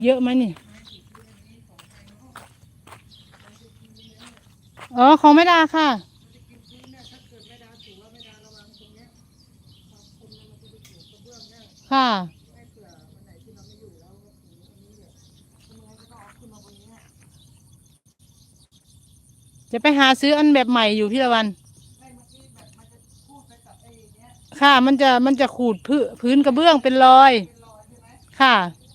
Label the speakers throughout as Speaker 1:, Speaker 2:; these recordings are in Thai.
Speaker 1: เยอะไหมนี่อ๋อของแม่ดาค่ะค่ะจะไปหาซื้ออันแบบใหม่อยู่พี่ละวันค่ะมันจะขูดพื้นกระเบื้องเป็นรอยค่ะ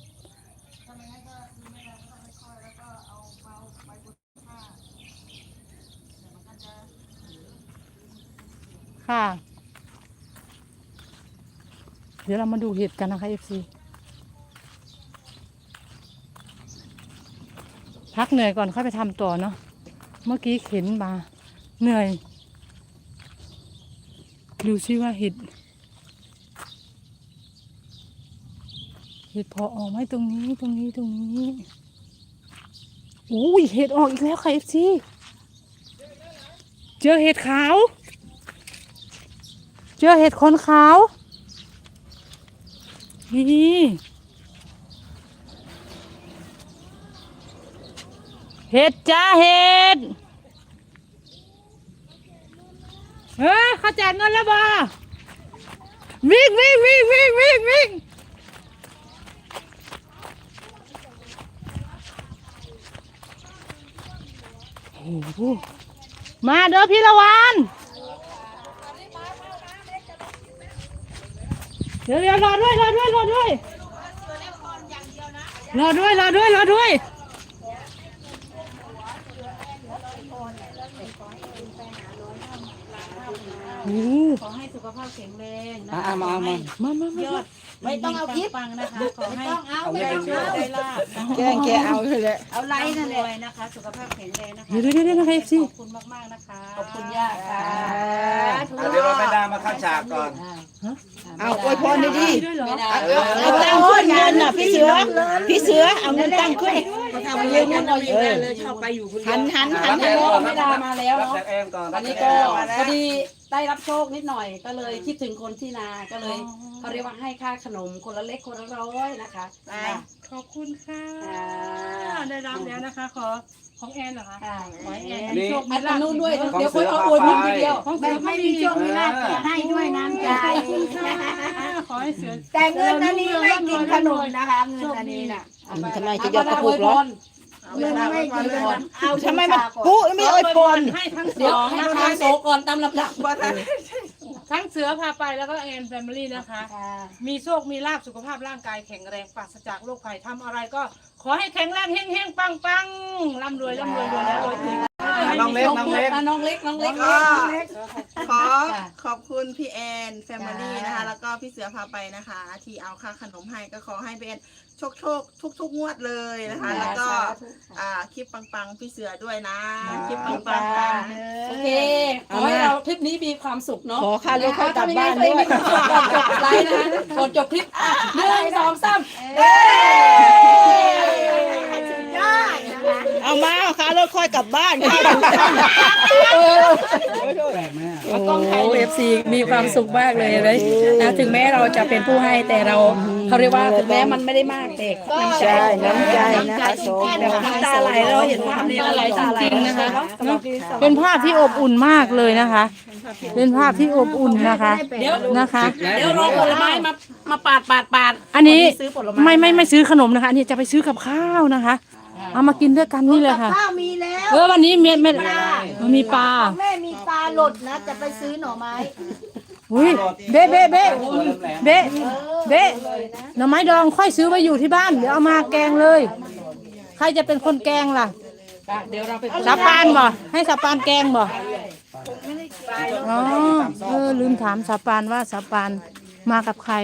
Speaker 1: ค่ะเดี๋ยวเรามาดูเห็ดกันนะคะ FC พักเหนื่อยก่อนค่อยไปทำต่อเนาะเมื่อกี้เข็นมาเหนื่อยดูซิว่าเห็ดพอออกไหมตรงนี้อุ้ยเห็ดออกอีกแล้วค่ะ FC เจอเห็ดขาวเจอเห็ดขนขาวนี่เห็ดจ้าเห็ดเขาแจกเงินแล้วบ่วิ่งโอ้โหมาเด้อพี่ละวันเดี๋ยวรอด้วยรอด้วย
Speaker 2: ขอให้สุขภาพแข็งแรงนะ
Speaker 3: มา
Speaker 2: ยอดไม่ต้องเอาคลิปปังนะคะขอให้ได้โชคได้ลาภ
Speaker 3: แกเอาเลย
Speaker 2: เอาไลน์นั่นเลยนะคะสุขภาพแข็งแรงนะคะ
Speaker 1: เดี๋ยวนะคะ FC
Speaker 2: ขอบคุณมากๆนะคะขอบคุณย่าค่ะ
Speaker 4: เดี๋ยวเราไม่ได้มาเข้าฉากก่อน
Speaker 3: เอาอวยพรดี
Speaker 1: ด้วยเหรอ
Speaker 3: เอาตั้งขึ้นเงินน่ะพี่เสือเอาเงินตั้งขึ้น
Speaker 2: ทำเยอะงั้นเราอยู่ได้เลยชอบไปอยู่คนเดียว
Speaker 3: หัน
Speaker 2: ไม่ดามาแล้ว
Speaker 4: รับ
Speaker 2: เนาะ
Speaker 4: จากแอนก่อน
Speaker 2: อันนี้ก็พอดีได้รับโชคนิดหน่อยก็เลยคิดถึงคนที่นาก็เลยเขาเรียกว่าให้ค่าขนมคนละเล็กคนละร้อยนะคะ
Speaker 1: ขอบคุณค่ะได้รับแล้วนะคะของแอนเหรอคะ
Speaker 2: ค่ะ
Speaker 1: ขอให้แอน
Speaker 2: มีโชคมีลาภนู้นด้วยเดี๋ยวค่อยเอาอวยพรทีเดียว
Speaker 1: ของเสือ
Speaker 2: ไม่
Speaker 1: ไม่
Speaker 2: มี
Speaker 1: มี
Speaker 2: โชคมีลาภแต่ให้ด้วยน้ำใจ
Speaker 1: ขอให้เสือ
Speaker 5: แต่เงินอันนี้ไม่กินขนมนะคะเงินอันนี้น่ะ
Speaker 3: ทำไมจะยอดกระปุกเหรอ
Speaker 5: เงินไม่กินขนมเอา
Speaker 3: ทำไมมันปุ๊ไม่อวยพร
Speaker 1: ให้ทั้ง
Speaker 2: เดี๋ยว
Speaker 1: สอง
Speaker 2: ให้
Speaker 1: นะ
Speaker 2: ทา
Speaker 1: คะ
Speaker 2: งโซก่อนตามลำดับ
Speaker 1: ทั้งเสือพาไปแล้วก็แอนแฟมิลี่นะคะ มีโชคมีลาภสุขภาพร่างกายแข็งแรงปราศจากโรคภัยทำอะไรก็ขอให้แข็งแรงเฮงๆปังร่ำรวยรวยแล้วรวยถึง
Speaker 4: น้องเล็ก
Speaker 2: น้องเล็ก
Speaker 5: ขอบคุณพี่แอนแฟมิลี่นะคะแล้วก็พี่เสือพาไปนะคะ ที่เอาค่าขนมให้ก็ขอให้พี่แอนโชคทุกงวดเลยนะคะ แล้วก็คลิปปังๆพี่เสือด้วยนะคลิปปังๆ
Speaker 2: โอเคขอให้เราคลิปนี้มีความสุขเนาะ
Speaker 3: ขอค่ารถค่อยกลับบ้านด้วย
Speaker 2: ก่อนจบไลน์นะคะก่อนจบคลิป1 2 3
Speaker 3: เอามาค่ารถค่อยกลับบ้าน
Speaker 2: โอ้เอฟซีมีความสุขมากเลยนะถึงแม้เราจะเป็นผู้ให้แต่เราเขาเรียกว่าถึงแม้มันไม่ได้มากแต่ก็
Speaker 3: ใช่น้ำใจนะคะสม
Speaker 2: แต่ว่าน้ำตาไหลเราเห็นภาพนี้แล้วไหลตาไหล
Speaker 1: จริงๆนะคะเป็นภาพที่อบอุ่นมากเลยนะคะ เป็นภาพที่อบอุ่นนะคะ
Speaker 2: เดี๋ยว
Speaker 1: นะคะ
Speaker 2: เดี๋ยวรอผลไม้มาปาด
Speaker 1: อันนี้
Speaker 2: ซื้อผลไม้
Speaker 1: ไม่ซื้อขนมนะคะอันนี้จะไปซื้อกับข้าวนะคะ เอามากินด้วยกันนี่เลยค่ะ
Speaker 5: ข้าวมีแล้ว
Speaker 1: วันนี้ไม่มีปลา
Speaker 5: แม่มีปลาหลดนะจะไปซื้อหน่อไม้
Speaker 1: อุ้ยเบ๊หน่อไม้ดองค่อยซื้อไว้อยู่ที่บ้านเดี๋ยวเอามาแกงเลย ใครจะเป็นคนแกงล่ะ
Speaker 2: เดี๋ยวเราไป
Speaker 1: สาปานบ่ให้สาปานแกงบ่อ๋อลืมถามสาปานว่าสาปานมากับใคร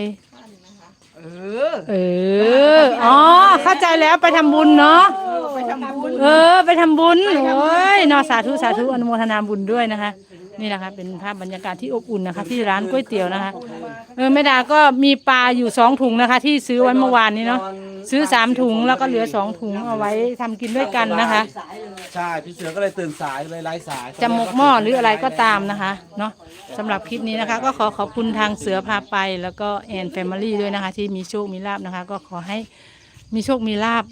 Speaker 1: อ๋อเข้าใจแล้วไปทำบุญเนาะไปทำบุญโอ้ยเนาะสาธุอนุโมทนาบุญด้วยนะคะนี่นะคะเป็นภาพบรรยากาศที่อบอุ่นนะคะ ที่ร้านก๋วยเตี๋ยวนะคะแม่ดาก็มีปลาอยู่2 ถุงนะคะ ที่ซื้อไว้เมื่อวานนี้เนาะซื้อ3 ถุงแล้วก็เหลือ2 ถุงเอาไว้ทำกินด้วยกันนะคะ
Speaker 4: ใช่พี่เสือก็เลยตื่นสายเลยไร้สาย
Speaker 1: จะหมกหม้อหรืออะไรก็ตามนะคะเนาะสำหรับคลิปนี้นะคะ ก็ขอบคุณทางเสือพาไปแล้วก็แอนแฟมิลี่ด้วยนะคะ ที่มีโชคมีลาภนะคะ ก็ขอให้มีโชคมีลาภ